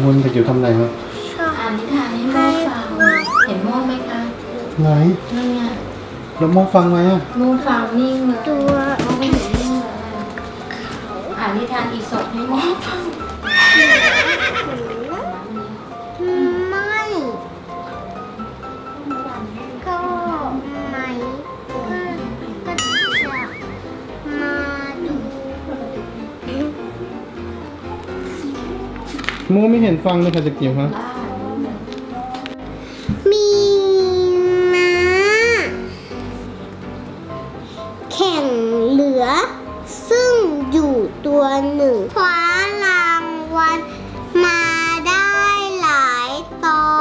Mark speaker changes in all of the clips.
Speaker 1: คุณเด็กจิ๋วทำอะไรครับ
Speaker 2: ชอบอ่านนิทานให้โม่ฟังเห็นโม่ไหมคะ
Speaker 1: ไหน
Speaker 2: นั่นไง
Speaker 1: แล้วโมฟังไหมอ่ะ
Speaker 2: โม่ฟังนิ่งเลย
Speaker 3: ตัว
Speaker 2: โม่ไม่เห็นนิ่งเลยอ่านนิทานอีสปให้โม่ฟัง
Speaker 3: ไม่ก็ไม่ก็จะมาดู
Speaker 1: โมไม่เห็นฟังเลยค่ะเด็กจิ๋วครับ
Speaker 3: มีม้าแข่งเหลือ ซึ่งอยู่ตัวหนึ่งคว้ารางวัลมาได้หลายต่อ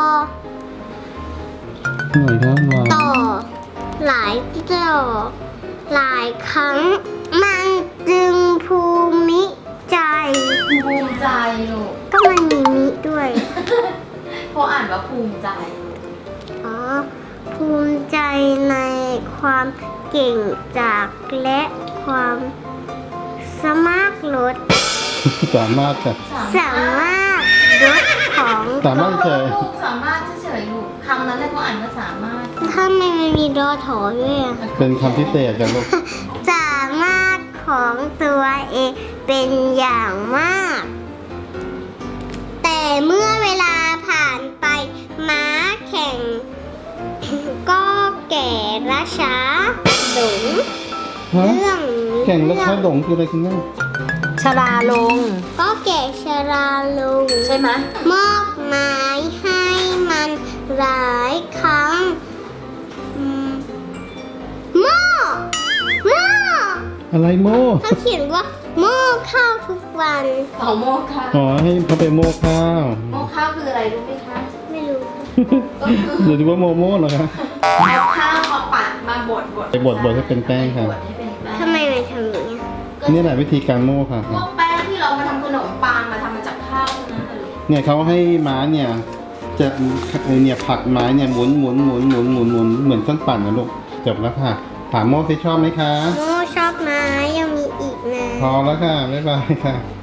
Speaker 1: หน่อยครับมา
Speaker 3: ต่อหลายต่อหลายครั้ง มันจึงภูมิใจ
Speaker 2: ภูมิใจลูก
Speaker 3: ก็มันมีมิด้วย
Speaker 2: เพราะอ่านว่าภูมิใจ
Speaker 3: อ๋อ ภูมิใจในความเก่งจากและความสามารถลด
Speaker 1: สามารถค่ะ
Speaker 3: สามารถลดของ
Speaker 1: สามารถเฉย
Speaker 2: ลูกสามารถเฉยๆลูกคำนั้นเลยเขาอ่านว่าสามารถ
Speaker 3: ถ้ามันมีดอถอด้วยอะ
Speaker 1: เป็นคำพิเศษจากลูก
Speaker 3: สามารถของตัวเองเป็นอย่างมาก แต่เมื่อเวลาผ่านไปม้าแข่ง ก็แก่และช้าหลง
Speaker 1: ฮะ
Speaker 3: เรื่อง
Speaker 1: แข่งแล้วช้าหลงคืออะไรคุณแม่
Speaker 2: ชราลง
Speaker 3: ก็แก่ชราลง
Speaker 2: ใช่ไหม
Speaker 3: มอบหมายให้มันหลายครั้งอืมหม้อหม้อ
Speaker 1: อะไรโม
Speaker 3: เขาเขียนว่าหม้อข้าวทุกวัน
Speaker 2: เอาโมกข้าว
Speaker 1: อ๋อให้เขาไปโมข้าว
Speaker 2: โมกข้าวคืออะไรรู้ไหมคะ
Speaker 3: ไม่รู้
Speaker 2: ก็คือ
Speaker 1: หรือว่าโมโม่เหรอคะ
Speaker 2: เอาข้าวมาปัดมาบด
Speaker 1: ไปบดให้เป็นแป้งค่ะ
Speaker 2: บดให้เป็นแป้ง
Speaker 3: ทำไมมันทำอย่างนี้
Speaker 1: นี่แหละวิธีการโม่ค่ะ
Speaker 2: พวกแป้งที่เรามาทำขนมปังมาทำมาจากข้าวทั้งนั้นเลย
Speaker 1: เนี่ยเขาให้ม้าเนี่ยจะเนี่ยผลักไม้เนี่ยหมุนเหมือนเครื่องปั่นนะลูกจบแล้วค่ะถามโม่ซิชอบไหมคะ
Speaker 3: โม่ชอบไหมยังมีอีกนะ
Speaker 1: พอแล้วค่ะบ๊ายบายค่ะ